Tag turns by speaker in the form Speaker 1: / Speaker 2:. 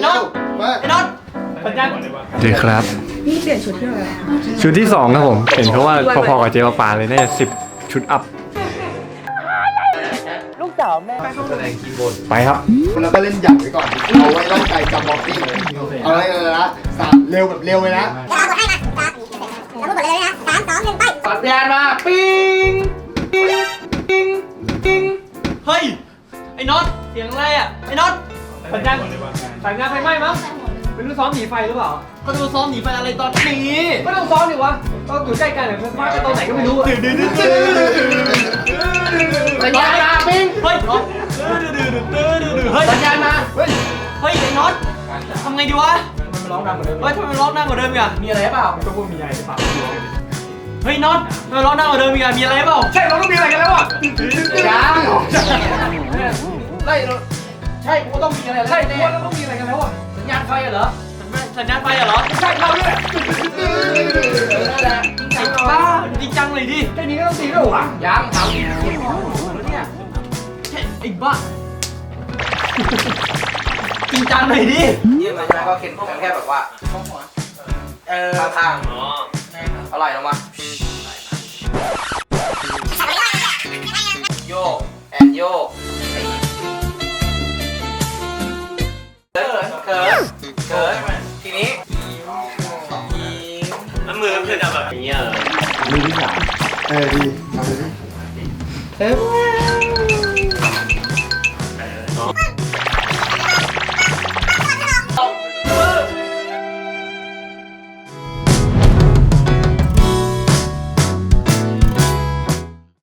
Speaker 1: น็อตไอ้น็อตสัญญาณ
Speaker 2: เจ๊ครับ
Speaker 3: นี่เปลี่ยนชุดที่อะไร
Speaker 2: ชุดที่2ครับผมเห็นเขาว่าพอๆกับเจ๊ปาเลยน่าจะ10 ชุดอัพ
Speaker 1: ลูกสาวแม่
Speaker 2: ไปครับ
Speaker 4: แล้วก็เล่นหยับไว้ก่อนเอาไว้ร่างกายจับบล็อกกิ้งเอาไว้เลยนะสามเร็วแบบเร็วเลยนะ
Speaker 1: สัญญาณมาปิ้งปิ้งปิ้งปิ้งเฮ้ยไอ้น็อตเสียงอะไรอ่ะไอ้น็อตสัญญาณไฟไหม้มั้งเป็นลูกซ้อมหนีไฟหรือเปล่าก็ดูซ้อมหนีไฟอะไรตอนนี้ก็ต้องซ้อมดิวะก็อยู่ใกล้กันเนี่ยมาไปตอนไหนก็ไม่รู้สัญญาณมาปิ้งเฮ้ยเฮ้ยสัญญาณมาเฮ้ยไอ้น็อตทำไงดีวะทำไมมันร้องดังกว่าเดิมทำไมมันร้องดังกว่าเดิมอีกอะมีอะไรเปล่าก็พูดมีอะไรหรือเปล่าเฮ้ยน็อตทำไมร้องดังกว่าเดิมอีกอะมีอะไรเปล่าใช่เราต้องมีอะไรกันแล้วอ่ะยังใช่กูต้องมีอะไรใช่กูว่าเราต้องมีอะไรกันแล้วอ่ะสัญญาณไฟเหรอสัญญาณไฟเหรอใช่เราเนี่ยจริงบ้าจริงจังเลยดิแค่นี้ก็ต้องตีด้วยวะยังทำเนี่ยไอ้บ้าจริงจังเลยดินี่มันก็เข็นพวกมันแค่แบบว่าข้างๆอร่อยลงมาโยกแอนโยกเขินทีนี้แล้วมือมันจะแบบนี้
Speaker 4: มือที่สามดีทำเลย